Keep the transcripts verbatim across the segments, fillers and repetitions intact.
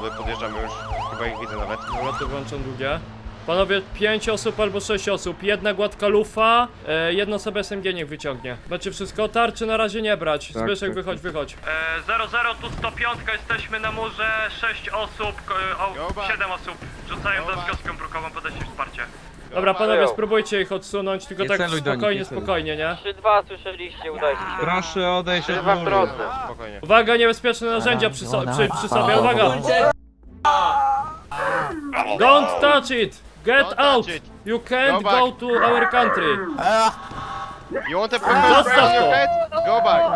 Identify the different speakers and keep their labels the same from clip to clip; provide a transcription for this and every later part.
Speaker 1: samochody, podjeżdżamy już, chyba ich widzę nawet.
Speaker 2: Dobra, to włączam długie. Panowie, pięć osób albo sześć osób, jedna gładka lufa, e, jedno sobie S M G niech wyciągnie. Macie wszystko, tarczy na razie nie brać.
Speaker 3: Tak,
Speaker 2: Zbyszek,
Speaker 3: tak,
Speaker 2: wychodź, wychodź. E, zero zero, tu sto pięć, jesteśmy na murze, sześć osób, o, siedem osób rzucają
Speaker 1: Dobra.
Speaker 2: deską brukową, podajcie wsparcie. Dobra, panowie, spróbujcie ich odsunąć, tylko
Speaker 3: Nie
Speaker 2: tak
Speaker 3: celuj do nich,
Speaker 2: spokojnie,
Speaker 3: nie celuj.
Speaker 2: spokojnie, nie?
Speaker 4: trzy dwa słyszeliście, udajcie się.
Speaker 3: Proszę odejść od
Speaker 4: Chyba w
Speaker 3: muru.
Speaker 4: drodze.
Speaker 1: Spokojnie.
Speaker 2: Uwaga, niebezpieczne narzędzia przy, so przy, przy sobie, uwaga! Don't touch it! Get
Speaker 1: Don't
Speaker 2: out!
Speaker 1: touch it.
Speaker 2: You can't
Speaker 1: Go back.
Speaker 2: go to our country!
Speaker 1: You want to put my
Speaker 2: Zostaw
Speaker 1: spray on your
Speaker 2: to.
Speaker 1: head? Go back.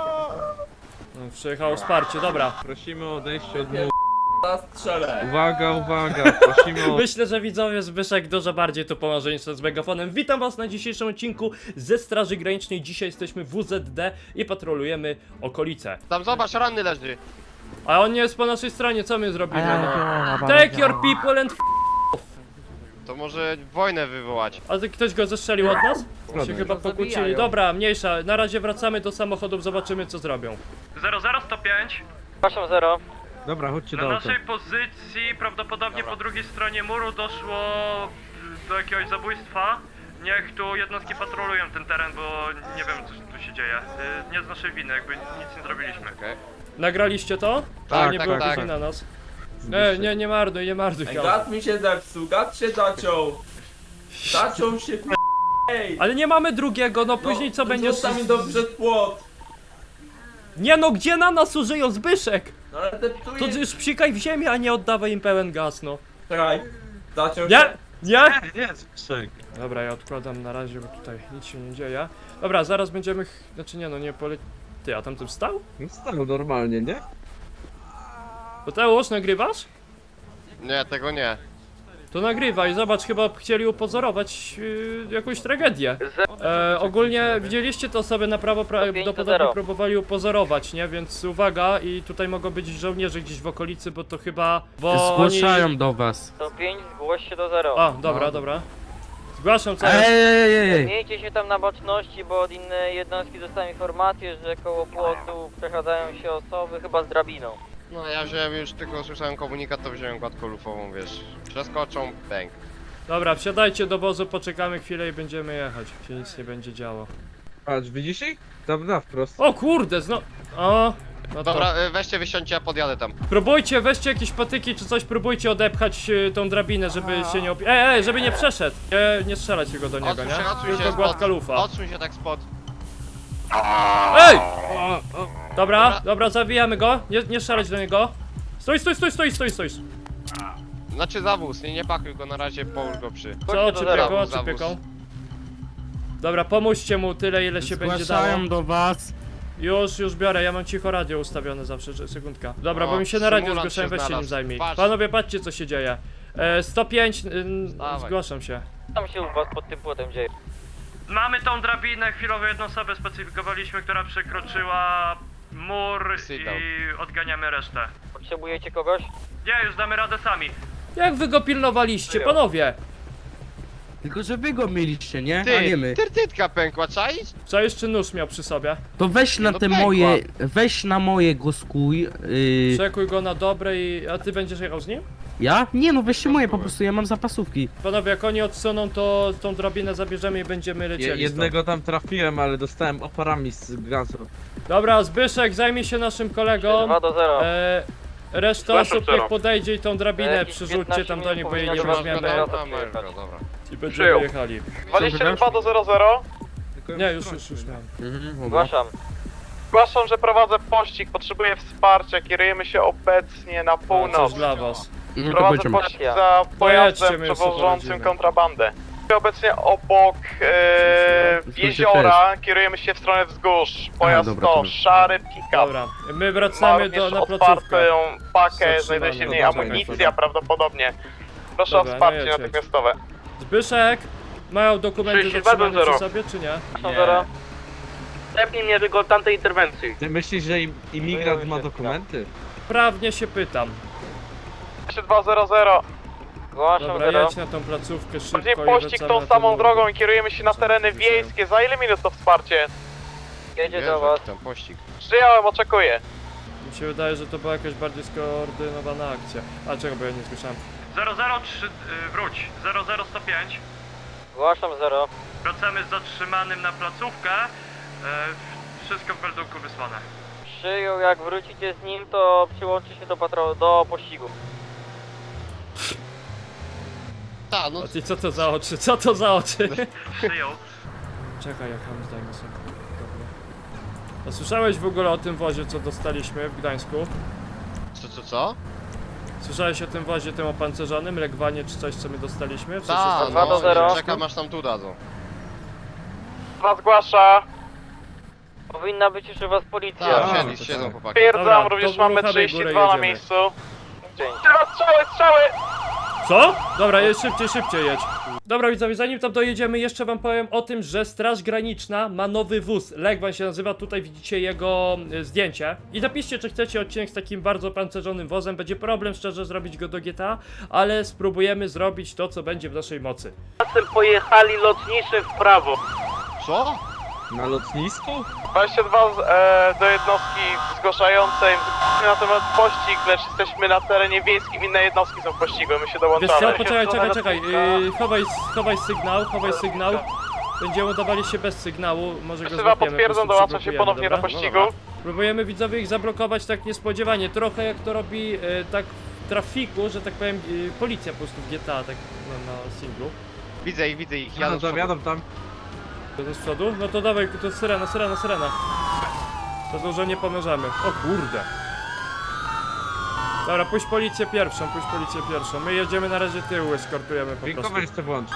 Speaker 2: No, przyjechało wsparcie, dobra.
Speaker 3: Prosimy o odejście od muru.
Speaker 5: Strzelę.
Speaker 3: Uwaga, uwaga, prosimy o...
Speaker 2: Myślę, że widzowie Zbyszek dużo bardziej tu pomoże niż z megafonem. Witam was na dzisiejszym odcinku ze Straży Granicznej. Dzisiaj jesteśmy w W Z D i patrolujemy okolice.
Speaker 1: Tam zobacz, ranny leży.
Speaker 2: A on nie jest po naszej stronie, co my zrobimy? No? Take your people and f***.
Speaker 1: To może wojnę wywołać.
Speaker 2: A ty ktoś go zestrzelił od nas? Się
Speaker 3: Zgodnie.
Speaker 2: chyba pokłócili. Dobra, mniejsza. Na razie wracamy do samochodów, zobaczymy co zrobią. zero zero sto pięć.
Speaker 4: Przepraszam, zero.
Speaker 3: Dobra, chodźcie
Speaker 2: Na
Speaker 3: do auta.
Speaker 2: naszej pozycji prawdopodobnie
Speaker 1: Dobra.
Speaker 2: po drugiej stronie muru doszło do jakiegoś zabójstwa. Niech tu jednostki patrolują ten teren, bo nie wiem co tu się dzieje. Y, Nie z naszej winy, jakby nic nie zrobiliśmy.
Speaker 1: Okej.
Speaker 2: Nagraliście to?
Speaker 1: Tak,
Speaker 2: Że nie
Speaker 1: tak,
Speaker 2: było
Speaker 1: tak.
Speaker 2: później na nas. E, nie, nie marnuj, nie marnuj.
Speaker 5: Ej,
Speaker 2: Miał.
Speaker 5: gad mi się zepsuł, gad się zaciął. Zaciął się k***. Ej.
Speaker 2: Ale nie mamy drugiego, no później co
Speaker 5: no,
Speaker 2: będzie...
Speaker 5: Zostaw mi do przed płot.
Speaker 2: Nie no, gdzie na nas użyją Zbyszek?
Speaker 5: No ale te
Speaker 2: To
Speaker 5: ptuje.
Speaker 2: już psikaj w ziemię, a nie oddawaj im pełen gaz, no.
Speaker 5: Czekaj. Zaciął
Speaker 2: Nie,
Speaker 5: się.
Speaker 2: nie!
Speaker 3: Nie, Zbyszek.
Speaker 2: Dobra, ja odkładam na razie, bo tutaj nic się nie dzieje. Dobra, zaraz będziemy... ch- Znaczy nie no, nie pole... Ty, a tam tym stał?
Speaker 3: No stał normalnie, nie?
Speaker 2: Mateusz, nagrywasz?
Speaker 1: Nie, tego nie.
Speaker 2: To nagrywaj, zobacz, chyba chcieli upozorować yy, jakąś tragedię. E, ogólnie widzieliście to sobie na prawo, pra
Speaker 4: pięć do
Speaker 2: podobnie
Speaker 4: zero.
Speaker 2: próbowali upozorować, nie? Więc uwaga, i tutaj mogą być żołnierze gdzieś w okolicy, bo to chyba... Bo
Speaker 6: Zgłaszają
Speaker 2: oni...
Speaker 6: do was.
Speaker 4: sto pięć, zgłoś się do zero.
Speaker 2: A, dobra,
Speaker 6: No.
Speaker 2: dobra. Zgłaszam co
Speaker 6: Ej,
Speaker 2: jest.
Speaker 6: ej, ej, ej.
Speaker 4: Miejcie się tam na baczności, bo od innej jednostki dostałem informację, że koło płotu przechadzają się osoby, chyba z drabiną.
Speaker 1: No ja wziąłem już, tylko usłyszałem komunikat, to wziąłem gładką lufową, wiesz. Przeskoczą, bang.
Speaker 2: Dobra, wsiadajcie do wozu, poczekamy chwilę i będziemy jechać. Się nic nie będzie działo.
Speaker 3: Patrz, widzisz ich? Tam na wprost.
Speaker 2: O kurde, zno... O... No to...
Speaker 1: Dobra, y, weźcie, wysiądźcie, ja podjadę tam.
Speaker 2: Próbujcie, weźcie jakieś patyki czy coś, próbujcie odepchać y, tą drabinę, żeby się nie opi... Ej, ej, żeby nie przeszedł! Nie, nie strzelać jego do niego,
Speaker 1: Odsuń
Speaker 2: nie?
Speaker 1: się, odsuń
Speaker 2: Tylko
Speaker 1: się
Speaker 2: gładka
Speaker 1: spod.
Speaker 2: lufa.
Speaker 1: Odsuń się tak spod.
Speaker 2: Ej! Dobra, dobra, zawijamy go. Nie, nie strzelać do niego. Stój, stój, stój, stój, stój, stój.
Speaker 1: Znaczy zawóz, nie, nie pakuj go na razie, połóż go przy.
Speaker 2: Co,
Speaker 4: do
Speaker 2: czy
Speaker 4: zera,
Speaker 2: pieką, czy
Speaker 1: zawóz.
Speaker 2: pieką? Dobra, pomóżcie mu tyle, ile się będzie dało.
Speaker 6: Zgłaszają do was.
Speaker 2: Już, już biorę, ja mam cicho radio ustawione zawsze, że sekundka. Dobra,
Speaker 1: O,
Speaker 2: bo mi się na radio
Speaker 1: symulant
Speaker 2: zgłaszałem,
Speaker 1: się
Speaker 2: weź się nim
Speaker 1: znalazł.
Speaker 2: zajmij.
Speaker 1: Patrz.
Speaker 2: Panowie, patrzcie co się dzieje. E, sto pięć, y,
Speaker 1: Dawaj.
Speaker 2: zgłaszam się.
Speaker 4: Tam się u was pod tym płotem dzieje.
Speaker 2: Mamy tą drabinę, chwilowo jedną osobę specyfikowaliśmy, która przekroczyła mur
Speaker 1: Sit down.
Speaker 2: i odganiamy resztę.
Speaker 4: Potrzebujecie kogoś?
Speaker 2: Nie, już damy radę sami. Jak wy go pilnowaliście,
Speaker 4: Przyjął.
Speaker 2: panowie?
Speaker 6: Tylko że wy go mieliście, nie? A
Speaker 1: Ty,
Speaker 6: nie my.
Speaker 1: tertytka pękła, czaisz?
Speaker 2: Co jeszcze nóż miał przy sobie?
Speaker 6: To weź na
Speaker 1: No
Speaker 6: te
Speaker 1: pękła.
Speaker 6: moje. Weź na moje go skuj. Yy,
Speaker 2: Przekuj go na dobre i... A ty będziesz jechał z nim?
Speaker 6: ja? Nie no, weźcie moje po prostu, ja mam zapasówki.
Speaker 2: Panowie, jak oni odsuną, to tą drabinę zabierzemy i będziemy
Speaker 3: Je,
Speaker 2: lecieli
Speaker 3: jednego tam trafiłem, ale dostałem oparami z gazu.
Speaker 2: stąd. Dobra, Zbyszek, zajmij się naszym kolegą.
Speaker 4: dwa do zero.
Speaker 2: E, reszta
Speaker 5: Zgłaszam
Speaker 2: osób
Speaker 5: zero.
Speaker 2: niech podejdzie i tą drabinę
Speaker 4: Jakieś
Speaker 2: przerzućcie tam do nich, bo jej nie
Speaker 4: piętnaście
Speaker 2: weźmiemy.
Speaker 4: minut
Speaker 1: Dobra,
Speaker 4: powinno
Speaker 1: dobra,
Speaker 4: przyjechać.
Speaker 1: dobra.
Speaker 2: I będziemy
Speaker 5: Przyjął.
Speaker 2: jechali.
Speaker 7: dwadzieścia dwa do zero zero.
Speaker 3: Tylko
Speaker 2: Nie,
Speaker 3: ją
Speaker 2: już,
Speaker 3: wtrącił.
Speaker 2: już, już miałem.
Speaker 6: Mhm, dobra.
Speaker 4: Zgłaszam.
Speaker 7: Zgłaszam, że prowadzę pościg, potrzebuję wsparcia, kierujemy się obecnie na
Speaker 2: A, coś
Speaker 7: północ.
Speaker 2: dla was.
Speaker 6: No to
Speaker 7: Prowadzę
Speaker 6: będziemy.
Speaker 7: pościg za
Speaker 2: Pojedźcie,
Speaker 7: pojazdem
Speaker 2: my już
Speaker 7: przewożącym
Speaker 2: poradzimy.
Speaker 7: kontrabandę. Obecnie obok e,
Speaker 6: Zgłoście
Speaker 7: jeziora kierujemy się w stronę wzgórz. Pojazd
Speaker 6: dobra,
Speaker 7: to
Speaker 6: dobra.
Speaker 7: szary pick-up.
Speaker 2: Dobra, my
Speaker 7: Ma
Speaker 2: wracamy
Speaker 7: również
Speaker 2: do, na placówkę.
Speaker 7: otwartą pakę,
Speaker 2: Zatrzymamy.
Speaker 7: znajduje się w niej
Speaker 2: Dobra,
Speaker 7: amunicja
Speaker 2: dobra.
Speaker 7: prawdopodobnie. Proszę
Speaker 2: Dobra,
Speaker 7: o wsparcie
Speaker 2: no jedź, jedź.
Speaker 7: natychmiastowe.
Speaker 2: Zbyszek, mają dokumenty
Speaker 7: trzydzieści dwa do
Speaker 2: zatrzymane przy
Speaker 7: zero.
Speaker 2: sobie, czy nie?
Speaker 4: Zgłaszam zero.
Speaker 7: Stepnij mnie tylko od tamtej interwencji.
Speaker 3: Ty myślisz, że im, imigrant ma dokumenty?
Speaker 2: Prawnie się pytam.
Speaker 7: dwadzieścia dwa zero zero.
Speaker 4: Zgłaszam
Speaker 2: Dobra,
Speaker 4: zero.
Speaker 2: jedź na tą placówkę szybko
Speaker 7: Bardziej
Speaker 2: i
Speaker 7: pościg
Speaker 2: wracamy
Speaker 7: tą
Speaker 2: na
Speaker 7: samą
Speaker 2: ten-
Speaker 7: drogą i kierujemy się na
Speaker 2: Co
Speaker 7: tereny
Speaker 2: słyszałem?
Speaker 7: wiejskie. Za ile minut to wsparcie?
Speaker 4: Jedzie
Speaker 1: Wierzę
Speaker 4: do
Speaker 1: w
Speaker 4: was.
Speaker 1: ten pościg.
Speaker 7: Przyjąłem, oczekuję.
Speaker 8: Mi się wydaje, że to była jakaś bardziej skoordynowana akcja. A czego, bo ja nie słyszałem.
Speaker 2: zero zero trzy, y, wróć, zero zero sto pięć.
Speaker 4: Zgłaszam zero.
Speaker 2: Wracamy z zatrzymanym na placówkę. E, wszystko w meldunku wysłane.
Speaker 4: Przyjął, jak wrócicie z nim, to przyłączy się do patro do pościgu.
Speaker 1: Ta, no
Speaker 8: A ty co to za oczy? Co to za oczy?
Speaker 2: Przyjął.
Speaker 8: Czekaj, jak tam zdajmy sobie. Dobra. A słyszałeś w ogóle o tym wozie, co dostaliśmy w Gdańsku?
Speaker 1: co, co, co?
Speaker 8: Słyszałeś o tym wozie, tym opancerzonym, Legwanie czy coś, co my dostaliśmy? W sensie
Speaker 1: Ta,
Speaker 8: z-
Speaker 4: dwa do
Speaker 1: no,
Speaker 4: zero.
Speaker 1: czekam aż tam tu dadzą.
Speaker 7: Dwa zgłasza.
Speaker 4: Powinna być już u was policja.
Speaker 1: Tak,
Speaker 8: A,
Speaker 1: siedli,
Speaker 8: to
Speaker 1: siedzą
Speaker 8: tak.
Speaker 1: chłopaki.
Speaker 8: Dobra,
Speaker 7: Stwierdzam,
Speaker 8: to
Speaker 7: również mamy
Speaker 8: uruchamiaj
Speaker 7: trzydzieści
Speaker 8: górę,
Speaker 7: dwa na
Speaker 8: jedziemy.
Speaker 7: miejscu.
Speaker 4: Dzięki.
Speaker 7: Strzały, strzały, strzały!
Speaker 8: Co? Dobra, jedź szybciej, szybciej jedź. Dobra widzowie, zanim tam dojedziemy, jeszcze wam powiem o tym, że Straż Graniczna ma nowy wóz. Legwan się nazywa, tutaj widzicie jego y, zdjęcie. I napiszcie, czy chcecie odcinek z takim bardzo pancerzonym wozem. Będzie problem szczerze zrobić go do G T A, ale spróbujemy zrobić to, co będzie w naszej mocy.
Speaker 7: Czasem pojechali lotniczy w prawo.
Speaker 1: Co?
Speaker 3: Na lotnisku?
Speaker 7: dwadzieścia dwa e, do jednostki zgłaszającej na temat pościg, lecz jesteśmy na terenie wiejskim, inne jednostki są w pościgu, my się
Speaker 8: Wiesz
Speaker 7: dołączamy.
Speaker 8: co, poczekaj, czekaj, czekaj. Yy, chowaj, chowaj sygnał, chowaj sygnał. Będziemy dawali się bez sygnału, może go
Speaker 7: Krzywa
Speaker 8: złapiemy,
Speaker 7: potwierdzam,
Speaker 8: po prostu
Speaker 7: dołączam się
Speaker 8: przyblokujemy,
Speaker 7: ponownie do
Speaker 8: dobra?
Speaker 7: pościgu.
Speaker 1: No dobra.
Speaker 8: Próbujemy widzowie ich zablokować tak niespodziewanie, trochę jak to robi e, tak w trafiku, że tak powiem e, policja po prostu w G T A, tak na, na singlu.
Speaker 1: Widzę ich, widzę ich,
Speaker 3: Ja
Speaker 1: jadą
Speaker 3: no
Speaker 1: z przodu.
Speaker 3: zawiadam tam.
Speaker 8: To jest z przodu? No to dawaj, to syrena, syrena, syrena. To dużo nie pomożemy. O kurde. Dobra, puść policję pierwszą, puść policję pierwszą. My jedziemy na razie tyłu, eskortujemy po prostu.
Speaker 3: Dźwiękowe jeszcze włącz.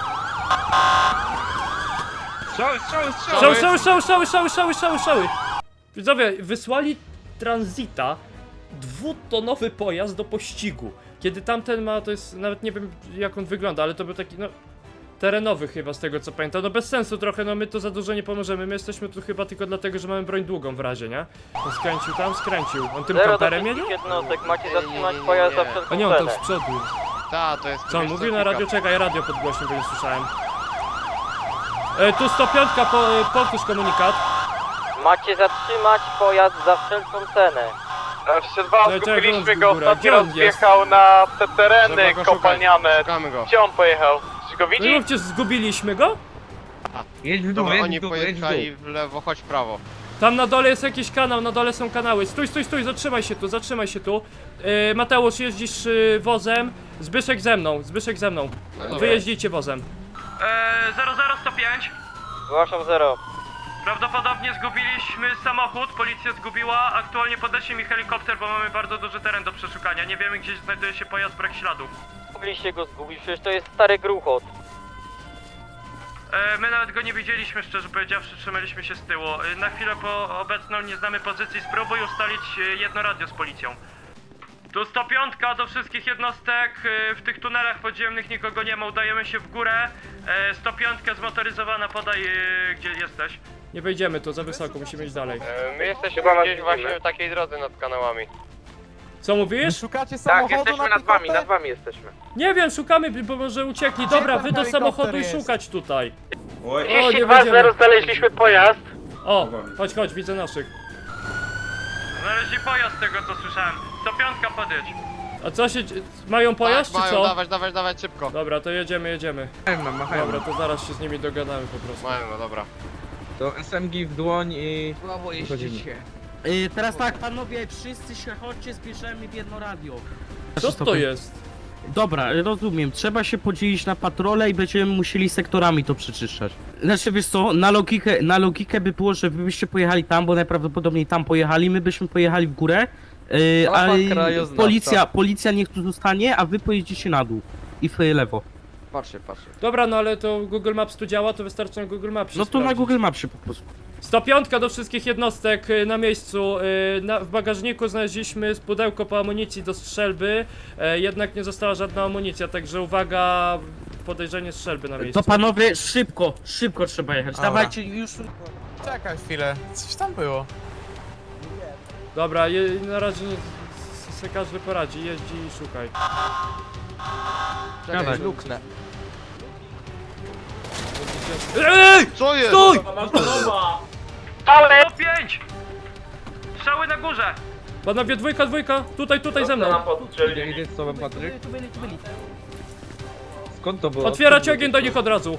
Speaker 3: Strzały, strzały, strzały!
Speaker 8: Szały, szały, szały, szały, szały, szały, szały, szały. Widzowie, wysłali Transita, dwutonowy pojazd do pościgu. Kiedy tamten ma, to jest, nawet nie wiem jak on wygląda, ale to był taki, no, terenowy chyba z tego co pamiętam. No bez sensu trochę, no my to za dużo nie pomożemy. My jesteśmy tu chyba tylko dlatego, że mamy broń długą w razie, nie? On skręcił tam, skręcił. On tym
Speaker 4: Zero do
Speaker 8: kamperem jedzie?
Speaker 4: wszystkich jednostek, macie
Speaker 1: Nie, nie,
Speaker 4: zatrzymać
Speaker 1: nie, nie,
Speaker 4: pojazd za
Speaker 1: nie.
Speaker 8: A
Speaker 4: wszelką
Speaker 8: nie, on tam
Speaker 4: cenę.
Speaker 8: z przodu jest.
Speaker 1: Ta, to jest...
Speaker 8: Co on
Speaker 1: wiesz
Speaker 8: mówił na
Speaker 1: pick-up.
Speaker 8: radio? Czekaj, radio podgłośnił, bo nie słyszałem. E, tu sto pięć, po, e, powtórz komunikat.
Speaker 4: Macie zatrzymać pojazd za wszelką cenę.
Speaker 7: dwadzieścia dwa,
Speaker 8: No, czekaj,
Speaker 7: zgubiliśmy
Speaker 8: wyłącz
Speaker 7: go,
Speaker 8: górę.
Speaker 7: ostatni
Speaker 8: Gdzie on
Speaker 7: raz
Speaker 8: jest?
Speaker 7: wjechał na te tereny
Speaker 1: Trzeba go szukać.
Speaker 7: kopalniane.
Speaker 1: Szukamy go.
Speaker 7: Gdzie on pojechał? Czy go
Speaker 8: No
Speaker 7: widzi?
Speaker 8: i mówcie, zgubiliśmy go?
Speaker 3: Jedź w dół,
Speaker 1: Dobra,
Speaker 3: jedź
Speaker 1: oni
Speaker 3: w dół, jedź w dół.
Speaker 1: pojechali w lewo, chodź w prawo.
Speaker 8: Tam na dole jest jakiś kanał, na dole są kanały. Stój, stój, stój, zatrzymaj się tu, zatrzymaj się tu. Yy, Mateusz, jeździsz yy, wozem. Zbyszek ze mną, Zbyszek ze mną.
Speaker 1: No dobra.
Speaker 8: Wy jeździcie wozem.
Speaker 2: E, zero zero sto pięć.
Speaker 4: Zgłaszam zero.
Speaker 2: Prawdopodobnie zgubiliśmy samochód, policja zgubiła. Aktualnie podeszli mi helikopter, bo mamy bardzo duży teren do przeszukania. Nie wiemy, gdzie znajduje się pojazd, brak śladów.
Speaker 4: Mogliście go zgubić, przecież to jest stary gruchot.
Speaker 2: E, my nawet go nie widzieliśmy, szczerze powiedziawszy, trzymaliśmy się z tyłu. E, na chwilę po obecną nie znamy pozycji, spróbuj ustalić e, jedno radio z policją. Tu sto pięć do wszystkich jednostek, e, w tych tunelach podziemnych nikogo nie ma, udajemy się w górę. E, sto pięć zmotoryzowana, podaj e, gdzie jesteś.
Speaker 8: Nie wejdziemy tu, za wysoko, musimy iść dalej.
Speaker 1: E, My jesteśmy gdzieś właśnie w takiej drodze nad kanałami.
Speaker 8: Co mówisz?
Speaker 9: Szukacie
Speaker 7: Tak,
Speaker 9: samochodu
Speaker 7: jesteśmy
Speaker 9: na
Speaker 7: nad wami,
Speaker 9: pick-upę?
Speaker 7: nad wami jesteśmy.
Speaker 8: Nie wiem, szukamy, bo może uciekli. Dobra,
Speaker 9: ten
Speaker 8: wy do
Speaker 9: helikopter
Speaker 8: samochodu i
Speaker 9: jest?
Speaker 8: szukać tutaj.
Speaker 5: Oj,
Speaker 8: O, nie będziemy.
Speaker 7: znaleźliśmy pojazd.
Speaker 8: O, chodź, chodź, widzę naszych.
Speaker 2: Znaleźli pojazd z tego co słyszałem. sto pięć podjedź.
Speaker 8: A co się... mają pojazd,
Speaker 1: tak,
Speaker 8: czy
Speaker 1: mają,
Speaker 8: co?
Speaker 1: dawać, dawać, dawać szybko.
Speaker 8: Dobra, to jedziemy, jedziemy.
Speaker 3: Machają nam, machają
Speaker 8: Dobra,
Speaker 3: nam.
Speaker 8: to zaraz się z nimi dogadamy po prostu.
Speaker 1: Mają, no dobra.
Speaker 3: To S M G w dłoń i...
Speaker 6: Słabo
Speaker 3: Wchodzimy.
Speaker 6: jeździcie. Yy, teraz tak, panowie, wszyscy się chodźcie, zbierzemy w jedno radio.
Speaker 8: Co to jest?
Speaker 6: Dobra, rozumiem, trzeba się podzielić na patrole i będziemy musieli sektorami to przeczyszczać. Znaczy wiesz co, na logikę, na logikę by było, że wy byście pojechali tam, bo najprawdopodobniej tam pojechali, my byśmy pojechali w górę, yy, a policja, policja niech tu zostanie, a wy pojedziecie na dół i w lewo.
Speaker 9: Patrzcie, patrzcie.
Speaker 8: Dobra, no ale to Google Maps tu działa, to wystarczy na Google Maps.
Speaker 6: No to na Google Mapsie po prostu.
Speaker 8: sto pięć do wszystkich jednostek y, na miejscu. Y, na, w bagażniku znaleźliśmy pudełko po amunicji do strzelby, y, jednak nie została żadna amunicja, także uwaga, podejrzenie strzelby na miejscu.
Speaker 6: To panowie, szybko, szybko trzeba jechać,
Speaker 9: Dobra.
Speaker 6: dawajcie już.
Speaker 9: Czekaj chwilę, coś tam było.
Speaker 8: Dobra, je, na razie nie, se każdy poradzi, jeździ i szukaj.
Speaker 6: Dawaj.
Speaker 9: luknę.
Speaker 8: Ej!
Speaker 1: Co jest?
Speaker 8: Stój!
Speaker 7: Ale
Speaker 2: sto pięć! Strzały na górze!
Speaker 8: Panowie, dwójka, dwójka, tutaj, tutaj ze mną.
Speaker 3: Idzie, idzie z tobą, Patryk. Skąd to było?
Speaker 8: Otwierać ogień do nich od razu.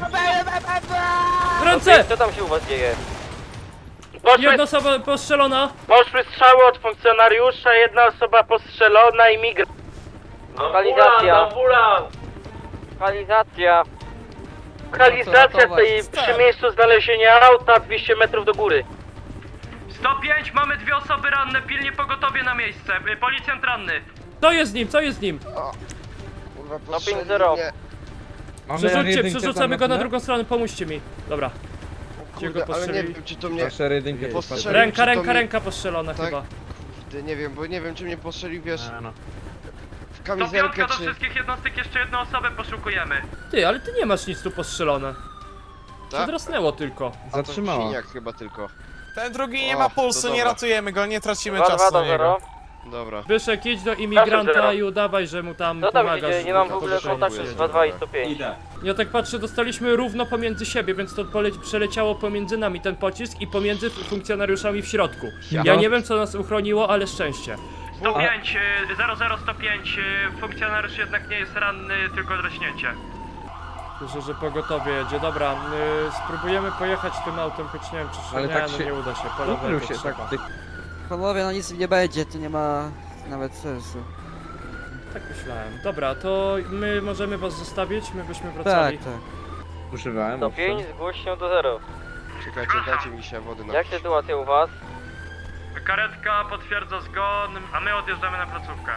Speaker 8: Ręce!
Speaker 4: Co tam się u was dzieje?
Speaker 8: Jedna osoba postrzelona.
Speaker 7: Poszły strzały od funkcjonariusza, jedna osoba postrzelona i migra.
Speaker 4: Lokalizacja. Lokalizacja.
Speaker 7: Lokalizacja tej przy miejscu znalezienia auta dwieście metrów do góry.
Speaker 2: sto pięć, mamy dwie osoby ranne, pilnie pogotowie na miejsce. Y, Policjant ranny.
Speaker 8: Co jest z nim, co jest z nim?
Speaker 1: Kurwa,
Speaker 4: No
Speaker 1: postrzeli
Speaker 4: pięć zero.
Speaker 1: mnie.
Speaker 3: Mamy
Speaker 8: Przerzućcie,
Speaker 3: jedynkę
Speaker 8: przerzucamy
Speaker 3: tam
Speaker 8: go na
Speaker 3: tle?
Speaker 8: drugą stronę, pomóżcie mi. Dobra. Gdzie go
Speaker 1: Kurde, ale nie
Speaker 8: postrzelili?
Speaker 1: wiem, czy to mnie...
Speaker 3: Proszę jedynkę.
Speaker 1: Postrzeli-
Speaker 3: Patryk.
Speaker 8: Ręka,
Speaker 1: czy to
Speaker 8: ręka,
Speaker 1: mi-
Speaker 8: ręka postrzelona
Speaker 1: Tak.
Speaker 8: chyba.
Speaker 1: Kurde, nie wiem, bo nie wiem, czy mnie postrzelił, wiesz,
Speaker 8: no.
Speaker 1: w
Speaker 2: sto
Speaker 1: kamizelkę,
Speaker 2: pięć do
Speaker 1: czy...
Speaker 2: wszystkich jednostek, jeszcze jedną osobę poszukujemy.
Speaker 8: Ty, ale ty nie masz nic tu postrzelone.
Speaker 1: Tak?
Speaker 8: Przedrosnęło tylko.
Speaker 1: A to
Speaker 3: Zatrzymała.
Speaker 1: siniak chyba tylko.
Speaker 9: Ten drugi nie
Speaker 1: O,
Speaker 9: ma
Speaker 1: to
Speaker 9: pulsu, nie
Speaker 1: dobra.
Speaker 9: ratujemy go, nie tracimy
Speaker 4: dwa dwa
Speaker 9: czasu
Speaker 4: do
Speaker 9: na niego.
Speaker 4: zero.
Speaker 1: Dobra.
Speaker 8: Byszek, idź do imigranta
Speaker 7: zero.
Speaker 8: i udawaj, że mu tam
Speaker 4: Co tam się
Speaker 8: pomagasz.
Speaker 4: dzieje? Nie mam w
Speaker 8: to
Speaker 4: ogóle
Speaker 8: wyszło.
Speaker 4: kontaktu z dwa dwa i sto pięć.
Speaker 5: Idę.
Speaker 8: Ja tak patrzę, dostaliśmy równo pomiędzy siebie, więc to pole- przeleciało pomiędzy nami ten pocisk i pomiędzy funkcjonariuszami w środku. Ja nie wiem, co nas uchroniło, ale szczęście.
Speaker 2: sto pięć, y, zero zero sto pięć, y, funkcjonariusz jednak nie jest ranny, tylko draśnięcie.
Speaker 8: Słyszę, że pogotowie jedzie. Dobra, y, spróbujemy pojechać tym autem, choć nie wiem, czy
Speaker 3: Ale
Speaker 8: nie,
Speaker 3: tak
Speaker 8: no
Speaker 3: się-
Speaker 8: nie uda się. Po
Speaker 3: Ukrył
Speaker 8: lewej
Speaker 3: się,
Speaker 8: to
Speaker 3: tak.
Speaker 8: trzeba.
Speaker 3: Ty...
Speaker 10: Panowie, no nic nie będzie, to nie ma nawet sensu.
Speaker 8: Tak myślałem. Dobra, to my możemy was zostawić, my byśmy
Speaker 10: Tak,
Speaker 8: wracali.
Speaker 10: tak.
Speaker 3: Używałem,
Speaker 4: sto
Speaker 3: owszem.
Speaker 4: pięć, zgłoś się do zero.
Speaker 1: Czekajcie, dajcie mi się wody na...
Speaker 4: Jak sytuacja u was?
Speaker 2: Karetka potwierdza zgon, a my odjeżdżamy na placówkę.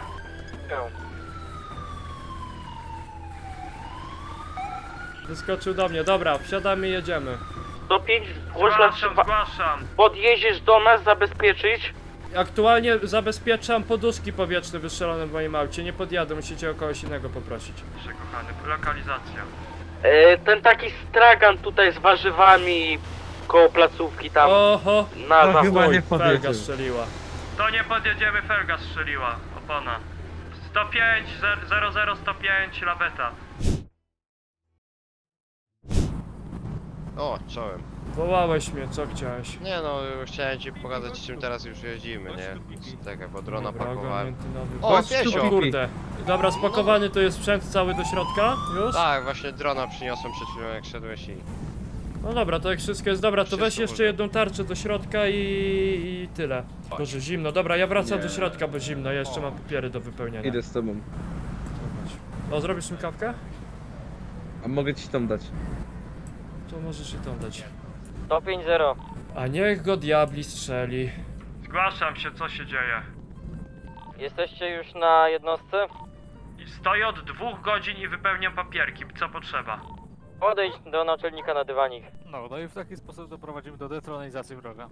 Speaker 8: Wyskoczył do mnie, dobra, wsiadamy i jedziemy.
Speaker 7: sto pięć, zgłoś na
Speaker 2: Zgłaszam, zgłaszam.
Speaker 7: podjedziesz do nas, zabezpieczyć.
Speaker 8: Aktualnie zabezpieczam poduszki powietrzne wystrzelone w moim aucie, nie podjadę, musicie o kogoś innego poprosić.
Speaker 2: Proszę kochany, lokalizacja.
Speaker 7: E, ten taki stragan tutaj z warzywami koło placówki tam
Speaker 8: Oho,
Speaker 7: na
Speaker 3: No
Speaker 7: zachód.
Speaker 3: chyba nie
Speaker 8: felga
Speaker 3: podjedzie.
Speaker 8: strzeliła.
Speaker 2: To nie podjedziemy, felga strzeliła, opona. sto pięć, zero zero sto pięć, laweta.
Speaker 1: O, czołem.
Speaker 8: Wołałeś mnie, co chciałeś?
Speaker 1: Nie no, chciałem ci pokazać, czym teraz już jeździmy, nie? Czekaj, bo drona
Speaker 8: Dobra,
Speaker 1: pakowałem.
Speaker 8: ogarnięty nowy.
Speaker 1: O,
Speaker 3: Chodź tu,
Speaker 1: piesio!
Speaker 8: O kurde. Dobra, spakowany to jest sprzęt cały do środka? Już?
Speaker 1: Tak, właśnie drona przyniosłem przed chwilą, jak szedłeś i...
Speaker 8: No dobra, to jak wszystko jest dobra, to
Speaker 1: Wszystko
Speaker 8: weź jeszcze
Speaker 1: można.
Speaker 8: jedną tarczę do środka i, i tyle. Boże, zimno. Dobra, ja wracam
Speaker 3: Nie.
Speaker 8: do środka, bo zimno, ja jeszcze mam papiery do wypełnienia.
Speaker 3: Idę z tobą.
Speaker 8: O, zrobisz mi kawkę?
Speaker 3: A mogę ci tam dać.
Speaker 8: To możesz i tą dać.
Speaker 4: sto pięć zero.
Speaker 8: A niech go diabli strzeli.
Speaker 2: Zgłaszam się, co się dzieje.
Speaker 4: Jesteście już na jednostce?
Speaker 2: I stoję od dwóch godzin i wypełniam papierki, co potrzeba.
Speaker 4: Podejdź do naczelnika na dywanik.
Speaker 11: No, no i w taki sposób doprowadzimy do detronizacji wroga.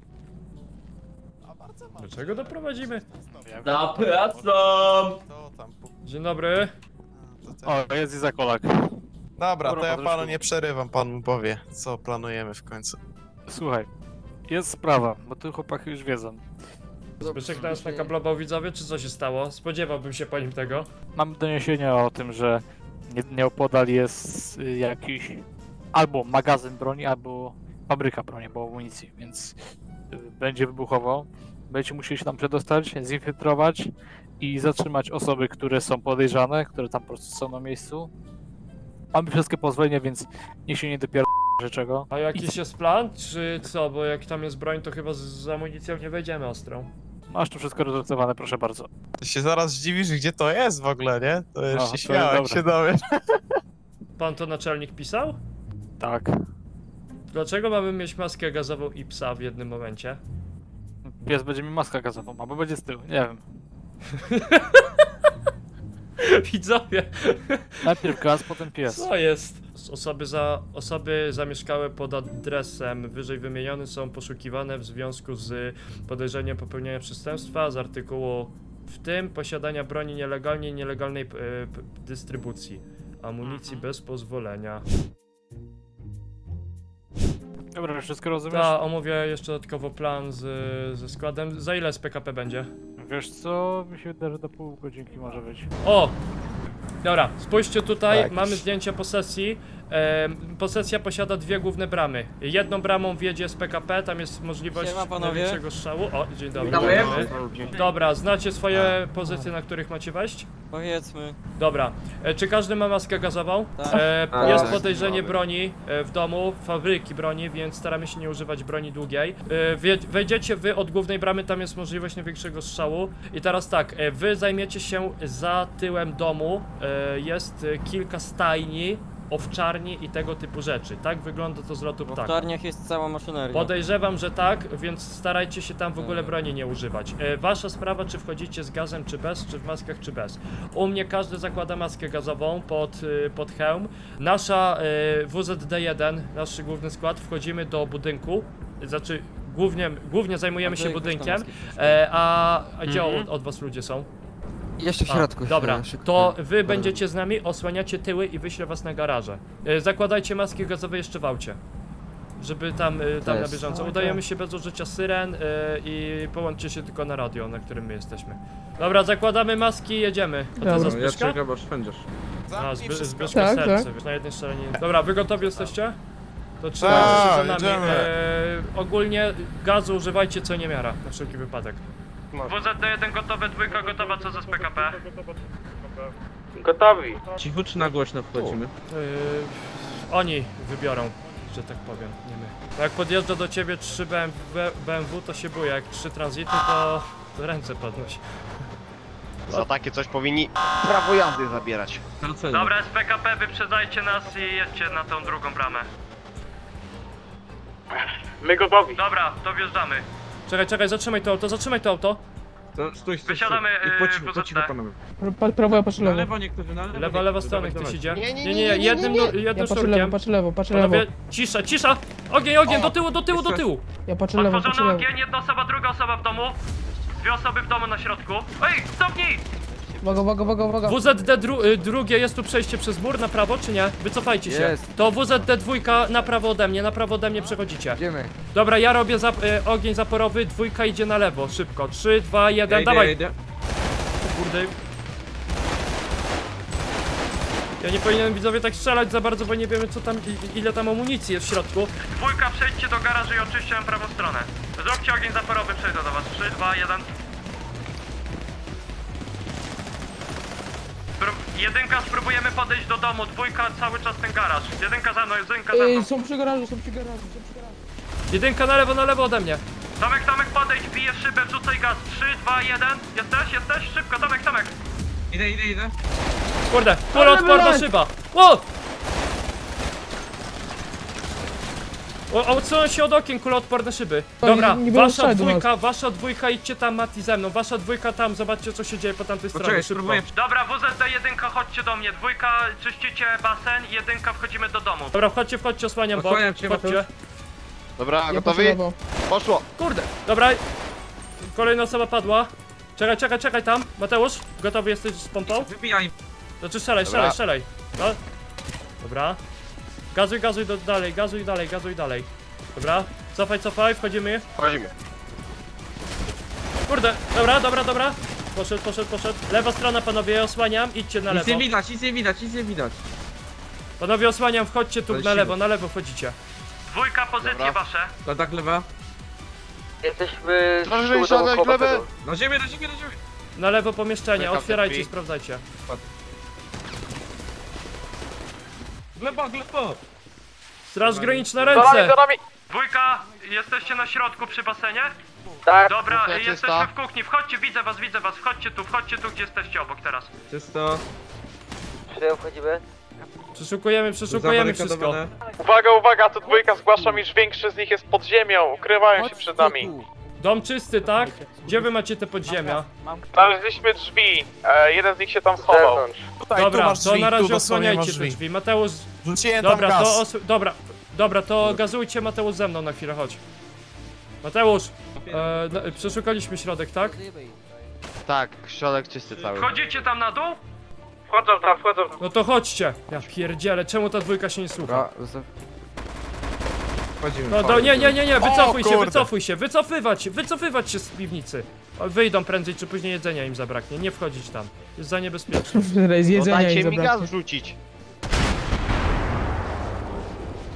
Speaker 8: Do czego doprowadzimy?
Speaker 5: Zapraszam!
Speaker 9: To tam... pu-
Speaker 8: Dzień dobry.
Speaker 9: to te-
Speaker 11: O, jest Izakolak.
Speaker 9: Dobra, to ja
Speaker 11: Patryczku.
Speaker 9: panu nie przerywam, pan mu powie, co planujemy w końcu.
Speaker 11: Słuchaj, jest sprawa, bo tu chłopaki już wiedzą.
Speaker 8: Zbyszek nas nakablował widzowie, czy co się stało? Spodziewałbym się po nim tego.
Speaker 11: Mam doniesienia o tym, że nie- nieopodal jest y, jakiś albo magazyn broni, albo fabryka broni, albo amunicji, więc y, będzie wybuchowo. Będziecie musieli się tam przedostać, zinfiltrować i zatrzymać osoby, które są podejrzane, które tam po prostu są na miejscu. Mamy wszystkie pozwolenia, więc niech się nie dopiero czego.
Speaker 8: A jakiś jest plan, czy co? Bo jak tam jest broń, to chyba z, z amunicją nie wejdziemy ostrą.
Speaker 11: Masz tu wszystko rozrysowane, proszę bardzo.
Speaker 9: Ty się zaraz zdziwisz, gdzie to jest w ogóle, nie? To
Speaker 11: No,
Speaker 9: już
Speaker 11: to
Speaker 9: się
Speaker 11: jest
Speaker 9: śmiałem, jak
Speaker 11: dobre.
Speaker 9: się dowiesz.
Speaker 8: Pan to naczelnik pisał?
Speaker 11: Tak.
Speaker 8: Dlaczego mamy mieć maskę gazową i psa w jednym momencie?
Speaker 11: Pies będzie mi maskę gazową, albo będzie z tyłu, nie wiem.
Speaker 8: Widzowie,
Speaker 11: Najpierw gaz, potem pies.
Speaker 8: co jest? Osoby, za, osoby zamieszkałe pod adresem wyżej wymieniony są poszukiwane w związku z podejrzeniem popełnienia przestępstwa z artykułu, w tym posiadania broni nielegalnie i nielegalnej e, p- dystrybucji amunicji bez pozwolenia.
Speaker 11: Dobra, wszystko rozumiesz?
Speaker 8: Ta, omówię jeszcze dodatkowo plan z, ze składem. Za ile z P K P będzie?
Speaker 11: Wiesz co, mi się wydaje, że do pół godzinki może być.
Speaker 8: O! Dobra, spójrzcie tutaj,
Speaker 9: Tak.
Speaker 8: mamy zdjęcie posesji. Em, posesja posiada dwie główne bramy. Jedną bramą wjedzie z P K P, tam jest możliwość
Speaker 10: Siema, panowie.
Speaker 8: największego strzału. O, dzień dobry.
Speaker 5: Witamy.
Speaker 8: Witamy. Dobra, znacie swoje pozycje, na których macie wejść?
Speaker 10: Powiedzmy.
Speaker 8: Dobra. E, czy każdy ma maskę gazową?
Speaker 10: Tak.
Speaker 8: E,
Speaker 3: Tak.
Speaker 8: jest
Speaker 3: Tak.
Speaker 8: podejrzenie broni e, w domu, fabryki broni, więc staramy się nie używać broni długiej. E, wie, wejdziecie wy od głównej bramy, tam jest możliwość największego strzału. I teraz tak, e, wy zajmiecie się za tyłem domu. E, jest e, kilka stajni, owczarni i tego typu rzeczy. Tak wygląda to z lotu
Speaker 10: W
Speaker 8: ptaka.
Speaker 10: owczarniach jest cała maszyneria.
Speaker 8: Podejrzewam, że tak, więc starajcie się tam w ogóle broni nie używać. E, wasza sprawa, czy wchodzicie z gazem, czy bez, czy w maskach, czy bez. U mnie każdy zakłada maskę gazową pod, e, pod hełm. Nasza e, W Z D jeden, nasz główny skład, wchodzimy do budynku, znaczy głównie, głównie zajmujemy się budynkiem, e, a, a gdzie od, od was ludzie są?
Speaker 10: Jeszcze w
Speaker 8: A,
Speaker 10: środku.
Speaker 8: dobra,
Speaker 10: e, szybko.
Speaker 8: to wy będziecie z nami, osłaniacie tyły i wyślę was na garaże. E, Zakładajcie maski gazowe jeszcze w aucie. Żeby tam, e, tam na
Speaker 10: jest.
Speaker 8: bieżąco. Udajemy się bez użycia syren e, i połączcie się tylko na radio, na którym my jesteśmy. Dobra, zakładamy maski i jedziemy. A to za
Speaker 3: No, ja
Speaker 8: Zbyszka?
Speaker 3: czekam, aż będziesz.
Speaker 8: A,
Speaker 9: Zamknij
Speaker 8: Zby
Speaker 9: wszystko.
Speaker 8: Zbyszka
Speaker 12: Tak,
Speaker 8: serce, wiesz, na jednej strzelaninie. Dobra, wy gotowi jesteście? To
Speaker 9: Tak,
Speaker 8: trzymajcie się za nami.
Speaker 9: jedziemy.
Speaker 8: E, ogólnie gazu używajcie co nie miara, na wszelki wypadek. W Z D jeden gotowe, dwójka gotowa, co za z P K P?
Speaker 2: Gotowi.
Speaker 3: Cicho czy na głośno wchodzimy?
Speaker 8: Yy, oni wybiorą, że tak powiem, nie my. Jak podjeżdża do ciebie trzy B M W, to się boję, jak trzy tranzyty, to, to ręce podnoś.
Speaker 1: Za takie coś powinni prawo jazdy zabierać.
Speaker 8: Dobra, z P K P wyprzedzajcie nas i jedźcie na tą drugą bramę.
Speaker 2: My gotowi.
Speaker 8: Dobra, to wjeżdżamy. Czekaj, czekaj, zatrzymaj to auto, zatrzymaj to auto.
Speaker 3: To, stój, stój,
Speaker 8: Wysiadamy,
Speaker 3: stój.
Speaker 8: yy,
Speaker 3: I po cichu,
Speaker 8: W
Speaker 3: po
Speaker 8: Z
Speaker 3: cichu
Speaker 8: D.
Speaker 3: panowie.
Speaker 12: Pa, prawo, ja patrzę
Speaker 3: Na
Speaker 12: lewo.
Speaker 3: lewo niektórzy, na lewo.
Speaker 8: Lewa, lewa
Speaker 3: niektórzy.
Speaker 8: strona,
Speaker 3: Dawaj,
Speaker 8: ktoś
Speaker 3: dawaj.
Speaker 8: idzie.
Speaker 1: Nie, nie,
Speaker 8: Nie,
Speaker 1: nie,
Speaker 8: nie,
Speaker 1: nie,
Speaker 8: jednym,
Speaker 1: nie, nie.
Speaker 8: nur-
Speaker 12: Ja
Speaker 8: jednym
Speaker 12: patrzę lewo,
Speaker 8: sznurkiem.
Speaker 12: patrzę lewo, patrzę lewo.
Speaker 8: Panowie, cisza, cisza! Ogień, ogień,
Speaker 3: O!
Speaker 8: do tyłu, do tyłu, do tyłu!
Speaker 12: Ja patrzę lewo, patrzę
Speaker 8: Otworzony
Speaker 12: lewo.
Speaker 8: ogień, jedna osoba, druga osoba w domu. Dwie osoby w domu na środku. Ej, stopnij!
Speaker 12: Uwaga, uwaga, uwaga, uwaga.
Speaker 8: W Z D dru y, drugie, jest tu przejście przez mur na prawo, czy nie? Wycofajcie się.
Speaker 10: Jest.
Speaker 8: To W Z D dwójka na prawo ode mnie, na prawo ode mnie przechodzicie.
Speaker 10: Idziemy.
Speaker 8: Dobra, ja robię zap y, ogień zaporowy, dwójka idzie na lewo, szybko. trzy, dwa,
Speaker 3: Ja
Speaker 8: jeden,
Speaker 3: idę,
Speaker 8: dawaj!
Speaker 3: ja idę.
Speaker 8: Kurde. Ja nie powinienem widzowie tak strzelać za bardzo, bo nie wiemy co tam, i, ile tam amunicji jest w środku. Dwójka, przejdźcie do garażu i oczyście prawą stronę. Zróbcie ogień zaporowy, przejdę do was. trzy, dwa, jeden. Spró- jedynka, spróbujemy podejść do domu, dwójka cały czas ten garaż. Jedynka za mną, jedynka za mną.
Speaker 12: Ej, są przy garażu, są przy garażu, są przy garażu.
Speaker 8: Jedynka na lewo, na lewo ode mnie. Tomek, Tomek, podejdź, bije szybę, wrzucaj gaz. trzy, dwa, jeden. Jesteś, jesteś? Szybko, Tomek, Tomek.
Speaker 3: Idę, idę, idę.
Speaker 8: Kurde, kuloodporna
Speaker 12: wylać!
Speaker 8: szyba. Ło! O, odsunąć się od okien, kuloodporne szyby.
Speaker 12: To
Speaker 8: Dobra,
Speaker 12: nie- nie było
Speaker 8: wasza
Speaker 12: strzału do
Speaker 8: dwójka, wasza dwójka, idźcie tam Mati ze mną. Wasza dwójka tam, zobaczcie co się dzieje po tamtej stronie,
Speaker 3: Poczekaj,
Speaker 8: szybko.
Speaker 3: spróbuję.
Speaker 8: Dobra, W Z D jedynka, chodźcie do mnie. Dwójka, czyścicie basen, jedynka, wchodzimy do domu. Dobra, wchodźcie, wchodźcie, osłaniam bok.
Speaker 3: Osłaniam cię,
Speaker 8: Wchodźcie.
Speaker 3: Mateusz.
Speaker 1: Dobra,
Speaker 12: Ja patrzę
Speaker 1: gotowi?
Speaker 12: lewo.
Speaker 1: Poszło.
Speaker 8: Kurde, dobra. Kolejna osoba padła. Czekaj, czekaj, czekaj tam. Mateusz, gotowy jesteś z pompą?
Speaker 3: Wybijaj.
Speaker 8: Znaczy strzelaj,
Speaker 1: Dobra.
Speaker 8: strzelaj, strzelaj. No. Dobra. Gazuj, gazuj do, dalej, gazuj dalej, gazuj dalej. Dobra. Cofaj, cofaj, wchodzimy.
Speaker 1: Wchodzimy.
Speaker 8: Kurde, dobra, dobra, dobra. Poszedł, poszedł, poszedł. Lewa strona, panowie, osłaniam, idźcie na
Speaker 3: Nic
Speaker 8: lewo.
Speaker 3: nie widać, nic nie widać, nic nie widać.
Speaker 8: Panowie, osłaniam, wchodźcie tu
Speaker 3: Ale
Speaker 8: na
Speaker 3: siły.
Speaker 8: lewo, na lewo wchodzicie. Dwójka, pozycje
Speaker 1: Dobra.
Speaker 8: wasze.
Speaker 3: Kontakt lewa.
Speaker 4: Jesteśmy
Speaker 1: Proszę
Speaker 4: z tyłu
Speaker 1: wysiadać,
Speaker 4: domu koło
Speaker 1: glebę.
Speaker 4: tego.
Speaker 3: Na ziemię, na ziemię, na ziemię.
Speaker 8: Na lewo pomieszczenie,
Speaker 1: Czekam,
Speaker 8: otwierajcie,
Speaker 1: drzwi.
Speaker 8: sprawdzajcie.
Speaker 3: Gleba, gleba.
Speaker 8: Straż graniczna,
Speaker 7: Za nami,
Speaker 8: ręce!
Speaker 7: za nami!
Speaker 8: Dwójka, jesteście na środku przy basenie?
Speaker 4: Tak.
Speaker 8: Dobra,
Speaker 1: Kuchnia
Speaker 8: jesteśmy
Speaker 1: czysta.
Speaker 8: w kuchni, wchodźcie, widzę was, widzę was, wchodźcie tu, wchodźcie tu, gdzie jesteście obok teraz.
Speaker 3: Czysto.
Speaker 4: Przyjął, wchodzimy.
Speaker 8: Przeszukujemy, przeszukujemy wszystko.
Speaker 3: Zabarykadowane.
Speaker 7: Uwaga, uwaga, tu dwójka zgłaszam, iż większy z nich jest pod ziemią, ukrywają się przed nami.
Speaker 8: Dom czysty, tak? Gdzie wy macie te podziemia?
Speaker 7: Znaleźliśmy drzwi, e, jeden z nich się tam schował.
Speaker 9: Tutaj, tu
Speaker 8: Dobra,
Speaker 9: masz
Speaker 8: to
Speaker 9: drzwi,
Speaker 8: na razie
Speaker 9: tu dosłownie masz
Speaker 8: osłaniajcie te
Speaker 9: drzwi.
Speaker 8: drzwi. Mateusz,
Speaker 9: Rzuciłem
Speaker 8: dobra,
Speaker 9: tam
Speaker 8: to
Speaker 9: gaz.
Speaker 8: os... dobra, dobra, to gazujcie Mateusz ze mną na chwilę, chodź. Mateusz, e, no, przeszukaliśmy środek, tak?
Speaker 1: Tak, środek czysty cały.
Speaker 8: Wchodzicie tam na dół?
Speaker 2: Wchodzą tam, wchodzą.
Speaker 8: No to chodźcie. Ja pierdzielę, czemu ta dwójka się nie słucha?
Speaker 10: Dobra, zostaw.
Speaker 3: Wchodzimy.
Speaker 8: No do, nie, nie, nie, nie, wycofuj się,
Speaker 9: kurde.
Speaker 8: wycofuj się, wycofywać się, wycofywać się z piwnicy. O, wyjdą prędzej czy później, jedzenia im zabraknie, nie wchodzić tam. Jest za niebezpieczne.
Speaker 12: Z
Speaker 1: No
Speaker 12: jedzenia i
Speaker 1: dajcie mi
Speaker 12: zabraknie.
Speaker 1: gaz rzucić.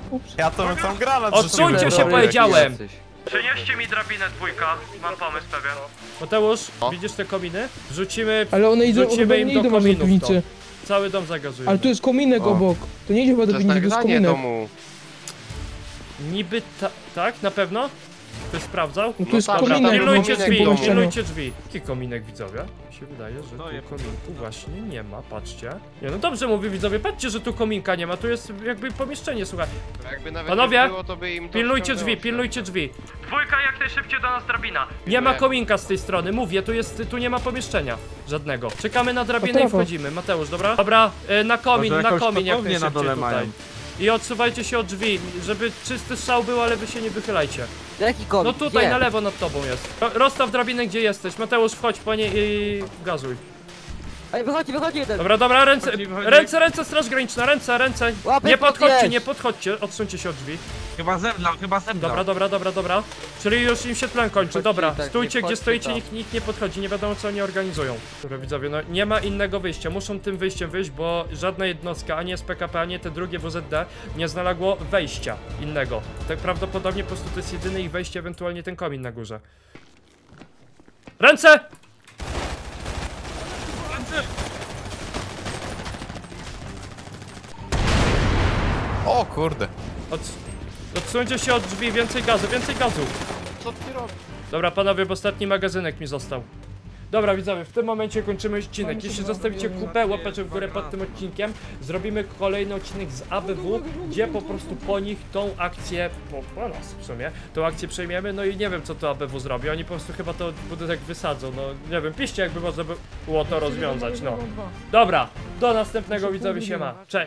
Speaker 12: Ups.
Speaker 9: Ja to bym tam granat
Speaker 8: Odsuńcie
Speaker 9: rzuciłem.
Speaker 8: się,
Speaker 3: Dobry
Speaker 8: powiedziałem!
Speaker 3: jesteś.
Speaker 2: Przynieście mi drabinę dwójka, mam pomysł pewien.
Speaker 8: Mateusz,
Speaker 1: O.
Speaker 8: widzisz te kominy? Wrzucimy,
Speaker 12: Ale one idą, chyba
Speaker 8: wrzucimy im
Speaker 12: nie
Speaker 8: do
Speaker 12: idą aż do
Speaker 8: kominów to.
Speaker 12: piwnicy.
Speaker 8: Cały dom zagazujemy.
Speaker 12: Ale tu jest kominek
Speaker 1: O.
Speaker 12: obok. To nie idzie chyba
Speaker 1: To
Speaker 12: do
Speaker 1: jest
Speaker 12: piwnicy, to jest
Speaker 1: nagranie
Speaker 12: kominek.
Speaker 1: domu.
Speaker 8: Niby ta, tak, na pewno? Ktoś sprawdzał?
Speaker 12: No tu jest
Speaker 1: tak,
Speaker 12: kominek.
Speaker 1: dobra,
Speaker 8: Pilnujcie
Speaker 1: kominek
Speaker 8: drzwi,
Speaker 1: domu.
Speaker 8: pilnujcie drzwi. Jaki kominek, widzowie? Mi się wydaje, że tu kominku właśnie nie ma, patrzcie. Nie, no dobrze mówię, widzowie, patrzcie, że tu kominka nie ma, tu jest jakby pomieszczenie, słuchaj.
Speaker 1: Jakby nawet
Speaker 8: Panowie,
Speaker 1: nie było, to by im to
Speaker 8: Pilnujcie
Speaker 1: wciągnęło
Speaker 8: drzwi,
Speaker 1: się.
Speaker 8: pilnujcie drzwi.
Speaker 2: Dwójka jak najszybciej do nas drabina.
Speaker 8: Nie ma
Speaker 1: Dziękuję.
Speaker 8: kominka z tej strony, mówię, tu jest, tu nie ma pomieszczenia żadnego. Czekamy na drabinę i
Speaker 12: Potrafa.
Speaker 8: wchodzimy, Mateusz, dobra? Dobra, y, na komin,
Speaker 3: Może
Speaker 8: na
Speaker 3: jakąś
Speaker 8: komin jak
Speaker 3: kotownię
Speaker 8: najszybciej
Speaker 3: na dole
Speaker 8: tutaj.
Speaker 3: mają.
Speaker 8: I odsuwajcie się od drzwi, żeby czysty strzał był, ale wy się nie wychylajcie.
Speaker 10: Jaki komik?
Speaker 8: No tutaj,
Speaker 10: Gdzie?
Speaker 8: na lewo nad tobą jest. Ro- Rozstaw drabinę, gdzie jesteś. Mateusz, wchodź po niej i gazuj.
Speaker 10: Ej, wychodzi, wychodzi jeden.
Speaker 8: Dobra, dobra, ręce,
Speaker 3: Wychodzi, wychodzi.
Speaker 8: ręce, ręce, straż graniczna, ręce, ręce.
Speaker 10: Łapy
Speaker 8: Nie podchodźcie,
Speaker 10: podnieś.
Speaker 8: nie podchodźcie, odsuńcie się od drzwi.
Speaker 3: Chyba zemdlał, chyba zemdlał.
Speaker 8: Dobra, dobra, dobra, dobra. Czyli już im się tlen kończy,
Speaker 10: Wchodźcie,
Speaker 8: dobra.
Speaker 10: tak,
Speaker 8: Stójcie,
Speaker 10: nie
Speaker 8: gdzie
Speaker 10: wchodźcie
Speaker 8: stoicie,
Speaker 10: tam.
Speaker 8: nikt, nikt nie podchodzi, nie wiadomo co oni organizują. Dobra, widzowie, no nie ma innego wyjścia, muszą tym wyjściem wyjść, bo żadna jednostka, ani S P K P, ani te drugie W Z D nie znalazło wejścia innego. Tak prawdopodobnie po prostu to jest jedyne ich wejście, ewentualnie ten komin na górze. Ręce!
Speaker 9: O kurde.
Speaker 8: Od... Odsuńcie się od drzwi, więcej gazu, więcej gazu.
Speaker 1: Co ty robisz?
Speaker 8: Dobra, panowie, bo ostatni magazynek mi został. Dobra, widzowie, w tym momencie kończymy odcinek. Jeśli zostawicie kupę łapeczek w górę pod tym odcinkiem, zrobimy kolejny odcinek z A B W, gdzie po prostu po nich tą akcję, po, po nas w sumie, tą akcję przejmiemy, no i nie wiem co to A B W zrobi, oni po prostu chyba to budynek wysadzą, no nie wiem, piszcie jakby można by było to rozwiązać, no. Dobra, do następnego, widzowie, siema, cześć.